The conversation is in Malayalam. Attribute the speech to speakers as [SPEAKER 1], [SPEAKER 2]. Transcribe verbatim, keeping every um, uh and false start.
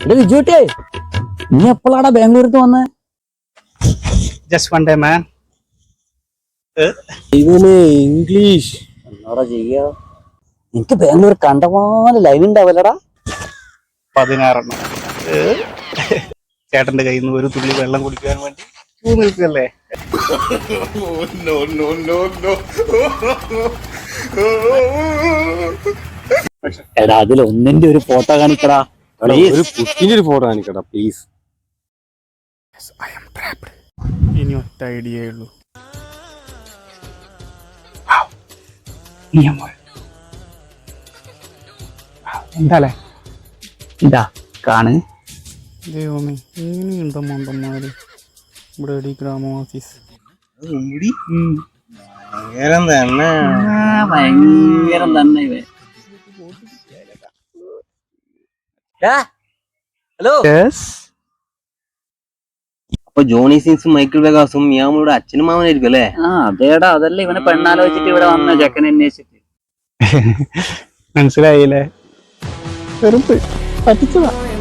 [SPEAKER 1] വിജുട്ടേ, നീ എപ്പോഴാടാ ബാംഗ്ലൂർക്ക് വന്നേ?
[SPEAKER 2] Just one day man.
[SPEAKER 1] ഇവന് ഇംഗ്ലീഷ് എന്നാടാ ചെയ്യാ? എനിക്ക് ബാംഗ്ലൂർ കണ്ടമാനം ലൈവ് ഉണ്ടാവല്ലടാ.
[SPEAKER 2] പതിനാറെണ്ണം. ചേട്ടന്റെ കയ്യിൽ നിന്ന് ഒരു തുള്ളി വെള്ളം കുടിക്കാൻ വേണ്ടി ക്യൂ നിൽക്കല്ലേ?
[SPEAKER 1] എടാ അതിൽ ഒന്നിന്റെ ഒരു ഫോട്ടോ കാണിക്കടാ.
[SPEAKER 3] ഒരു കുട്ടിന്റെ ഒരു ഫോട്ടോ കാണിക്കടാ പ്ലീസ്.
[SPEAKER 2] ഇനി ഒറ്റ ഐഡിയേ ഉള്ളൂ. എന്താലേ
[SPEAKER 1] ഇതാ കാണ്.
[SPEAKER 2] ദൈവമേ, ഇങ്ങനെയുണ്ടോ മണ്ടന്മാര് ഇവിടെ? എടി ഗ്രാമവാസീസ്
[SPEAKER 3] ഭയങ്കരം തന്നെ,
[SPEAKER 1] ഭയങ്കരം തന്നെ ഇവൻ. ഹലോ.
[SPEAKER 3] അപ്പൊ ജോണി സീൻസും മൈക്കിൾ വെഗാസും മിയാമോയുടെ അച്ഛനും മാമനായിരിക്കും അല്ലേ?
[SPEAKER 1] ആ അതേടാ, അതല്ലേ ഇവനെ പെണ്ണാലോചിച്ചിട്ട് ഇവിടെ വന്ന ചെക്കനെ അന്വേഷിച്ചിട്ട്.
[SPEAKER 2] മനസ്സിലായില്ലേ? വെറുതെ പറ്റിച്ചതാ.